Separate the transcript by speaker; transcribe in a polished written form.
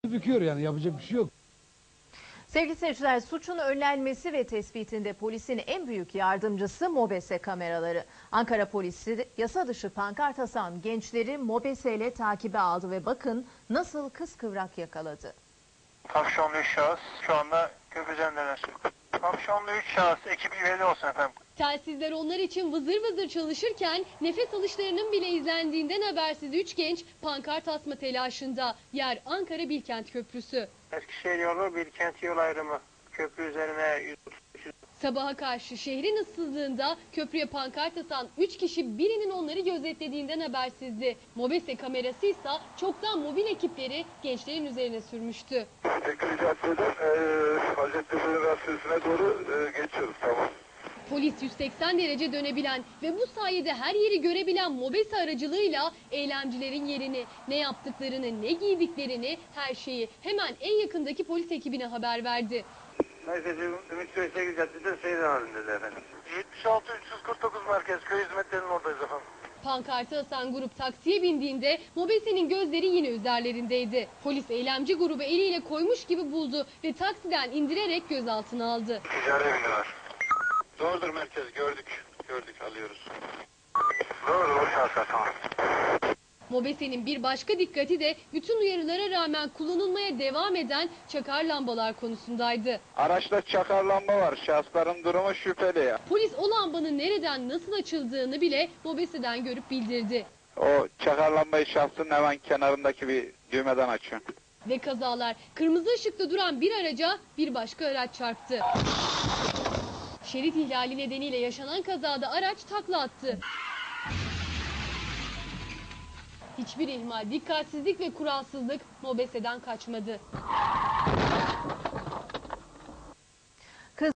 Speaker 1: Büküyor yani, yapacak bir şey yok.
Speaker 2: Sevgili seyirciler, suçun önlenmesi ve tespitinde polisin en büyük yardımcısı MOBESE kameraları. Ankara polisi yasa dışı pankart asan gençleri MOBESE ile takibe aldı ve bakın nasıl kıskıvrak yakaladı.
Speaker 3: Kapşonlu 3 şahıs şu anda köprüdendeler. Kapşonlu 3 şahıs, ekibi üyeli olsun efendim.
Speaker 4: Telsizler onlar için vızır vızır çalışırken nefes alışlarının bile izlendiğinden habersiz 3 genç pankart asma telaşında. Yer Ankara Bilkent Köprüsü.
Speaker 3: Eskişehir yolu Bilkent yol ayrımı. Köprü üzerine 133.
Speaker 4: Sabaha karşı şehrin ıssızlığında köprüye pankart asan 3 kişi birinin onları gözetlediğinden habersizdi. MOBESE kamerası ise çoktan mobil ekipleri gençlerin üzerine sürmüştü.
Speaker 5: Tekrar caddeden Hacettepe Üniversitesi'ne doğru geçiyoruz, tamam.
Speaker 4: Polis 180 derece dönebilen ve bu sayede her yeri görebilen MOBESE aracılığıyla eylemcilerin yerini, ne yaptıklarını, ne giydiklerini, her şeyi hemen en yakındaki polis ekibine haber verdi.
Speaker 5: Merkezi Ümit Bey Caddesi'nde seyir halindedir efendim.
Speaker 3: 76-349 merkez köy hizmetlerinin oradayız efendim.
Speaker 4: Pankartı asan grup taksiye bindiğinde MOBESE'nin gözleri yine üzerlerindeydi. Polis eylemci grubu eliyle koymuş gibi buldu ve taksiden indirerek gözaltına aldı.
Speaker 5: Ticari bindiler.
Speaker 3: Doğrudur merkez, gördük alıyoruz.
Speaker 5: Doğru, o şahsa tamam.
Speaker 4: MOBESE'nin bir başka dikkati de bütün uyarılara rağmen kullanılmaya devam eden çakar lambalar konusundaydı.
Speaker 6: Araçta çakar lamba var. Şahısların durumu şüpheli ya.
Speaker 4: Polis o lambanın nereden nasıl açıldığını bile MOBESE'den görüp bildirdi.
Speaker 6: O çakar lambayı şahsın hemen kenarındaki bir düğmeden açıyor.
Speaker 4: Ve kazalar kırmızı ışıkta duran bir araca bir başka araç çarptı. Şerit ihlali nedeniyle yaşanan kazada araç takla attı. Hiçbir ihmal, dikkatsizlik ve kuralsızlık MOBESE'den kaçmadı.